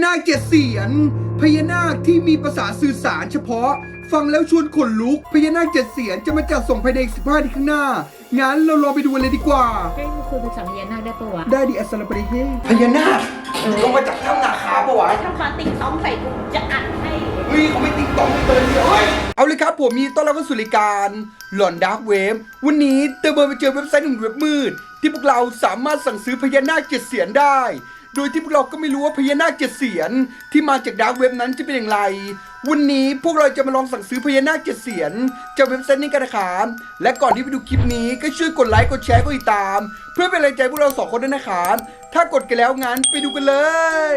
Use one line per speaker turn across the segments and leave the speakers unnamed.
นาคเจ็ดเสียนพญานาคที่มีภาษาสื่อสารเฉพาะฟังแล้วชวนขนลุกพญานาคเจ็ดเสียนจะมาจัดส่งภายใน15 ทีข้างหน้างั้นเราลองไปดูกันเลยดีกว่า
เฮ้ยมันคุยภาษาพญานาคได้ปะวะ
ได้ดิอัสลามปะเฮพญานาคลงมาจากถ้ำนาคาปะวะ
ทำคาติงต้องใส่กูจะอัดให้
เฮ้ยเขาไม่ติ๊กต้องเลยเฮ้ยเอาเลยครับผมมีต้อนรับเข้าสู่รายการหลอนดาร์กเวฟวันนี้เตอร์เบอร์ไปเจอเว็บไซต์หนึ่งเว็บมืดที่พวกเราสามารถสั่งซื้อพญานาคเจ็ดเสียนได้โดยที่พวกเราก็ไม่รู้ว่าพญานาคเจ็ดเสียนที่มาจากดาร์กเว็บนั้นจะเป็นอย่างไรวันนี้พวกเราจะมาลองสั่งซื้อพญานาคเจ็ดเสียนจากเว็บไซต์นี้กันนะครับและก่อนที่ไปดูคลิปนี้ก็ช่วยกดไลค์กดแชร์กดติดตามเพื่อเป็นแรงใจพวกเราสองคนด้วยนะครับถ้ากดกันแล้วงั้นไปดูกันเลย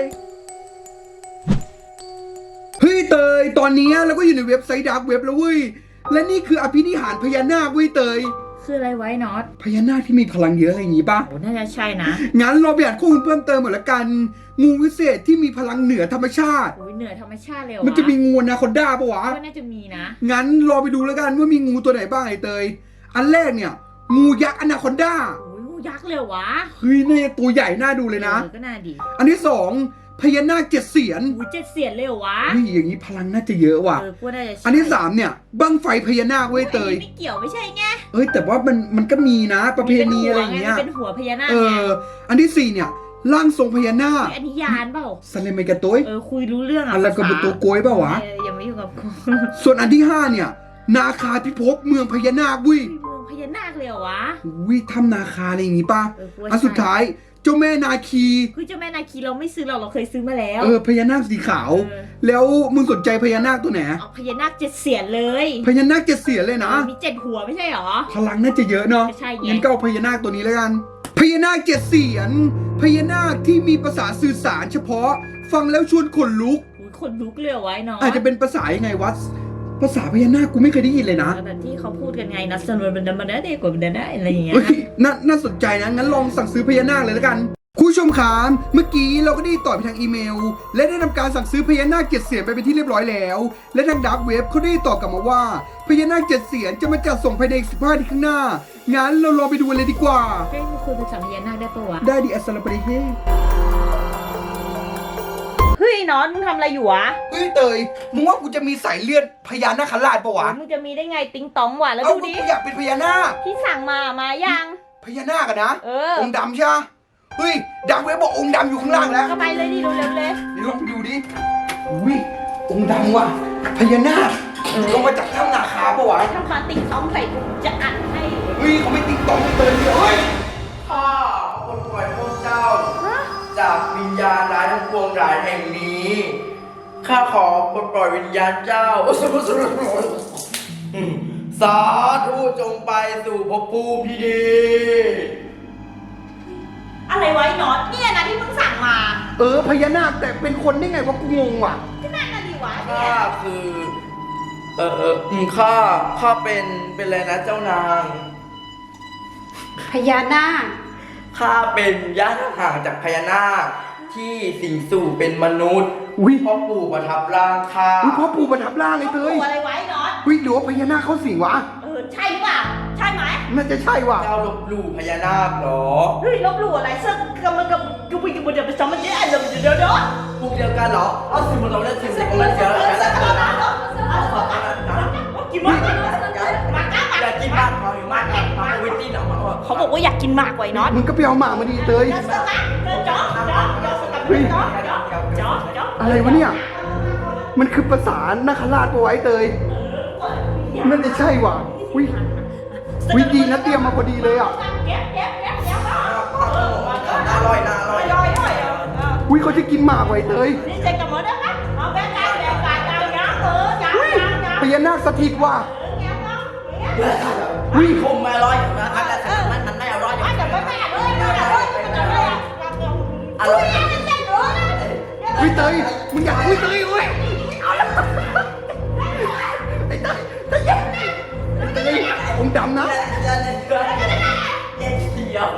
เฮ้ยเตยตอนนี้เราก็อยู่ในเว็บไซต์ดาร์กเว็บแล้วเว้ยและนี่คืออภินิหารพญานาคเว้ยเตย
คืออะไรไว้น็อต
พญานาคที่มีพลังเยอะอะไรอย่างงี้ป่ะ
โอ้น่าจะใช่นะ
งั้นเราไปอ่านข้อมูลเพิ่มเติมหมดละกัน งูวิเศษที่มีพลังเหนือธรรมชาติ
โอ้ยเหนือธรรมชาติเลยเหรอ
มันจะมีงูอนาคอนด้าปะวะ
ก็น่าจะมีนะ
งั้นรอไปดูแล้วกันว่ามีงูตัวไหนบ้างไอ้เตย อันแรกเนี่ย งูยักษ์อนาคอนด้า
โอ้ยงูยักษ์เลยเหรอวะ
เฮ้ยเนี่ยตัวใหญ่น่าดูเลยนะ
ก็น่าดี
อันที่สองพญานาคเจ็ดเสียน
โอ้ยเจ็ดเสียนเลยเหรอวะ
เฮ้ยอย่างนี้พลังน่าจะเยอะว่ะ
กูน่าจะใช่
อันที่สามเนี่ยบั้งไฟพญานาคเว้ยเตย
ไม่เกี่ยวไม่ใช่ไง
เอ้ยแต่ว่ามันก็มีนะประเพณีอะไรอย่างเงี้ย
มันเป็นหัวพญานาค
เอ
ไง
อ อันที่สี่เนี่ยร่างทรงพญานาค
อันนี้ยานเปล่า
สันเลมัยกะตุ้ย
คุยรู้เรื่องอ่ะ
อะไรกับบุตัวโกยเปล่าวะ
ยังไม่อยู่กับกู
ส่วนอันที่ห้าเนี่ย นาคาพิภพเมืองพญานาควิ
เมืองพญานาคเลยเหรอวะ
วิถ้ำนาคาอะไรอย่างงี้ป่ะ
กูว่า
อันสุดท้ายเจ้าแม่นาคี
คือเจ้าแม่นาคีเราไม่ซื้อเราเคยซื้อมาแล้ว
พญานาคสีขาว
เออ
แล้วมึงสนใจพญานาคตัวไหน
เอาพญานาคเจ็ดเสียนเลย
พญานาคเจ็ดเสียนเลยนะ
มีเจ็ดหัวไม่ใช่เหรอ
พลังน่าจะเยอะเนาะ
ใช่ไง
งั้นก็เอาพญานาคตัวนี้แล้วกัน พญานาคเจ็ดเสียนพญานาคที่มีภาษาสื่อสารเฉพาะ ฟังแล้วชวนขนลุก
อุ๊ยขนลุกเลยเหรอไว้เนาะ
อาจจะเป็นภาษายังไงวะภาษาพญานาคกูไม่เคยได้ยินเลยนะ
แบบที่เขาพูดกันไงนะสนุนมันได้กว่ามันได้อะไรอย่างเงี้ย
เฮ้ยน่าสนใจนะ งั้นลองสั่งซื้อพญานาคเลยแล้วกัน คุณผู้ชมครับเมื่อกี้เราก็ได้ต่อไปทางอีเมล และได้ทำการสั่งซื้อพญานาคเจ็ดเสียนไปเป็นที่เรียบร้อยแล้ว และทางดาร์กเว็บเขาได้ตอบกลับมาว่าพญานาคเจ็ดเสียนจะมาจัดส่งภายใน15 ทีข้างหน้า งั้นเราลองไปดูกันเลยดีกว่า
เฮ้ยมันคุยภาษาพญานาคได้ปะวะ
ได้ดิอัสลามปะเฮ
เฮ้ยน็อตมึงทำอะไรอยู่วะ
เฮ้ยเตย มึงว่ากูจะมีสายเลือดพญานาคราชปะวะ
มึงจะมีได้ไงติ๊งตองวะแล้ว
เอ้า
ดูดิ
กูอยากเป็นพญานาค
ที่สั่งมายัง
พญานาคอะนะ
เออ
องค์ดำใช่ไหมเฮ้ยดาร์กเว็บบอกองค์ดำอยู่ข้างล่างแล้ว
ก็ไปเลยดิเร็วๆเลย
เดี๋ยวลองไปดูดิอุ้ยองค์ดำว่ะพญานาคลงมาจากถ้ำนาคาปะวะ
ทำคาติงตองใส่กูจะอัดให้
เฮ้ยเขาไม่ติ๊กต้องเตือนเลยเฮ้ย
ข้าปลดปล่อยพวกเจ้า จากวิญญาณร้ายทั้งปวงร้ายแห่งนี้ ข้าขอปลดปล่อยวิญญาณเจ้า สาธุจงไปสู่ภพภูมิที่ดี
อะไรไว้น็อตเนี่ยนะที่มึงสั่งมา
พญานาคแต่เป็นคนได้ไงวะกูงงว่ะ
ที่นั่นน่ะดิวะเนี่
ข้าย คือข้าเป็นอะไรนะเจ้านาง
พญานาค
ข้าเป็นญาติห่างจากพญานาคที่สิงสู่เป็นมนุษย์
อุ๊ย
พ่อปู่ประทับร่างข้า
อุ๊ยพ่อปู่ประทับร่างไอ้เตย
ตัวอะไรไว้น็อต
เฮ้ยหรือว่าพญานาคเขาสิงวะ
ใช่หรือเปล่าใช่ไหม
น่าจะใช่ว่ะ
เจ้าลบหลู่พญานาคเหรอ
เฮ้ยลบหลู่อะไรเสื้อกำลังกับกูไปกูจะไปซ้ำมันเนี่ยเดี๋ยว
พวกเดียวกันเหรอ เอาสิมันเราเล่นสิมันเราเสียแล้ว
กินมากมาก้า
อยากกินมากมาวิตตี้หนังมา
เขาบอกว่าอยากกินมากไว้น็อต
มึงก็ไปเอาหมามาดีเตย อะไรวะเนี่ย มันคือภาษานาคราชปะไวะไอ้เตยน่าจะใช่ว่ะวิดีนะเตรียมมาพอดีเลยอ่ะ
น่าอร่อยน่าอร่อย
วิเขาจะกินหมากไว้เตยพญานาคสถิตว่ะวิ
คมไม่อร่อยนะมันไม่อร่อยอร่อย
วิเตยมึงอยากวิเตยเว้ยไอ้เตยองค์ดำนะ
เดี๋ยว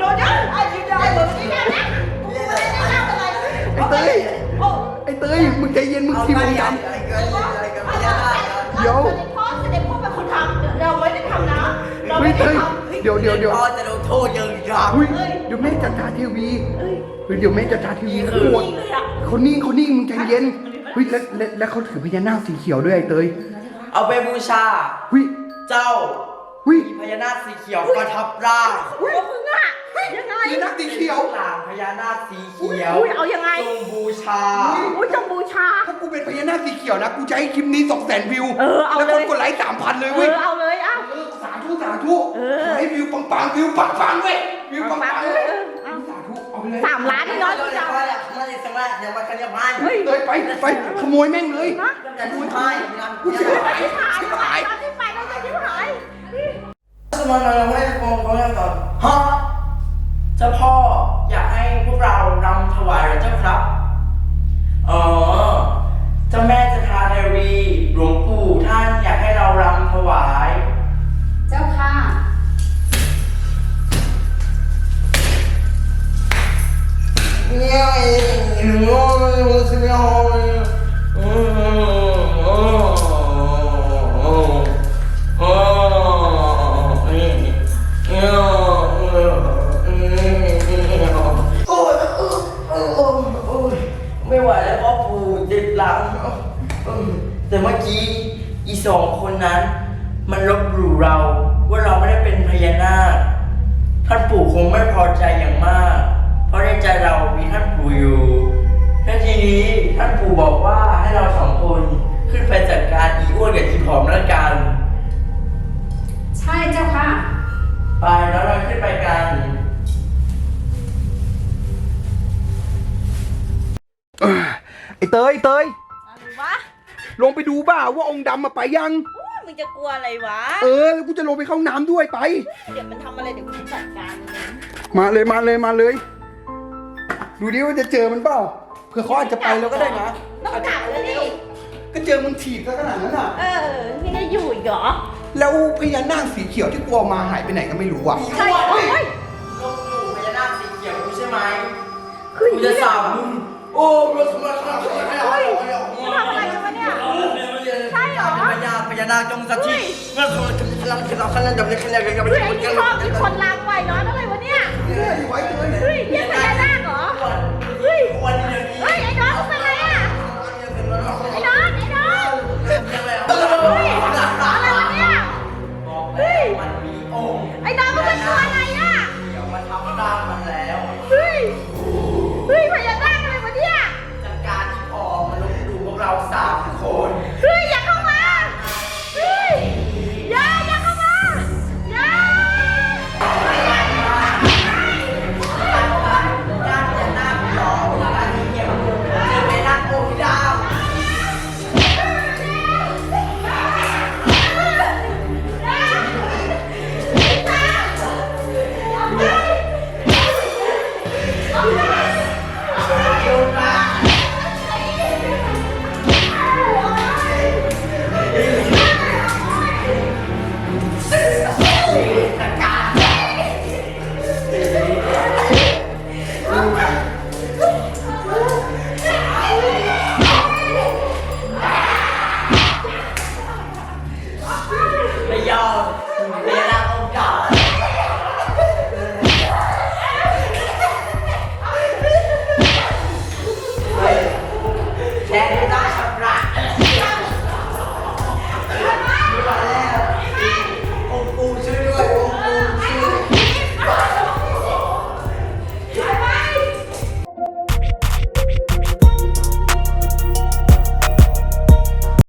ไอ้เตยมึงใจเย็นมึงทีมองค์ดำเดี๋ยว
พ่อเสด็จพ่อเป็นคนทำเราไม่ได้ทำนะเราไม่ได้ทำ
เดี๋ยว
พ่อจะโดนโทษเยอะครับ
อุ้ยเดี๋ยวแม่จัดการทีวีเฮ้ยเดี๋ยวแม่จัดการทีวี
นี่คือ
โอ้ยเขานิ่งมึงใจเย็นเฮ้ยแล้วเขาถือพญานาคสีเขียวด้วยไอ้เตย
เอาไปบูชา
เฮ้ย
เจ้า
เฮ้ย
พญานาคสีเขียวประทับร่าง
พวกมึงอะยังไง
พญานาคสีเขียว
หลางพญานาคสีเขียว
อุ้ยเอายังไง
จงบูชา
อุ้ยจงบูชา
ถ้ากูเป็นพญานาคสีเขียวนะกูจะให้คลิปนี้200,000 วิว
เออเอา
แล้ว
เล
คน
ย
กดไลค์3,000 เลย
เอ
เว้ย
อเอาเลยอ่ะ
สาธุให้วิวปังวิวปังเว้ยวิวปัง
ปังๆ
เว้ย
เอา
สาธุเอาไปเลย
3 ล้านนี่เนาะ
เดี๋ยว
จะ
มาเลยสังแรกเดี๋ยวมาคันยาบ้าน
เฮ้ย
เตยไปขโมยแม่งเลย
จะดูไทย
กูจะไป
ที่หายไปที่ไปแล้วจะที่หาย
สมัยเราให้ฟองเขาก่อนฮะเจ้าพ่ออยากให้พวกเรารำถวายเหรอเจ้าครับเจ้าแม่จะทาเทวีหลวงปู่ท่านอยากให้เรารำถวาย
เจ้าค่ะ
เนี่ยหนูรู้สึกไม่เอาไม่ไหวแล้วพ่อปู่เจ็บหลังแต่เมื่อกี้อี2 คนนั้น มันลบหลู่เราว่าเราไม่ได้เป็นพญานาคท่านปู่คงไม่พอใจอย่างมาก เพราะในใจเรามีท่านปู่อยู่และทีนี้ท่านปู่บอกว่าให้เรา2 คนขึ้นไปจัดการอีอ้วนกับอีผอมแล้วกัน
ใช่เจ้าค่ะ
ไปแล้วเราขึ้นไปกัน
ไอ้เตย
อะไรวะ
ลงไปดูบ้าว่าองค์ดำมาไปยัง
โอ้ยมึงจะกลัวอะไรวะ
แล้วกูจะลงไปเข้าน้ำด้วยไป
เดี๋ยวมันทำอะไรเดี๋ยวกูจัดการมันเอง
มาเลย ดูดิว่าจะเจอมันเปล่าเผื่อเขาอาจจะไปแล้วก็ได้นะ
ต้องจับเลยดิ
ก็เจอมึงถีบซะขนาดนั้นอ่ะ
นี่จะอยู่อีกเหรอ
แล้วพญานาคสีเขียวที่กลัวมาหายไปไหนก็ไม่รู้อ่ะ
ใช่เหรอเฮ้ย
ลบหลู่พญานาคสีเขียวกูใช่ไหม
คือ
กูจะสาบมึงโอ้เราทำไมขนาดนี้
เฮ้ยมันทำอะไรกันวะเนี่ย ใช่เหรอ
พญานาคจงสักทีเมื่อคนกำลังจะไปขยันกัน
เฮ้ยไอ้นี่ชอบที่คนล้างไว้เนาะอะไรวะเนี่ย
ไว้เลย
เฮ้ยเยี่ยมพญานาค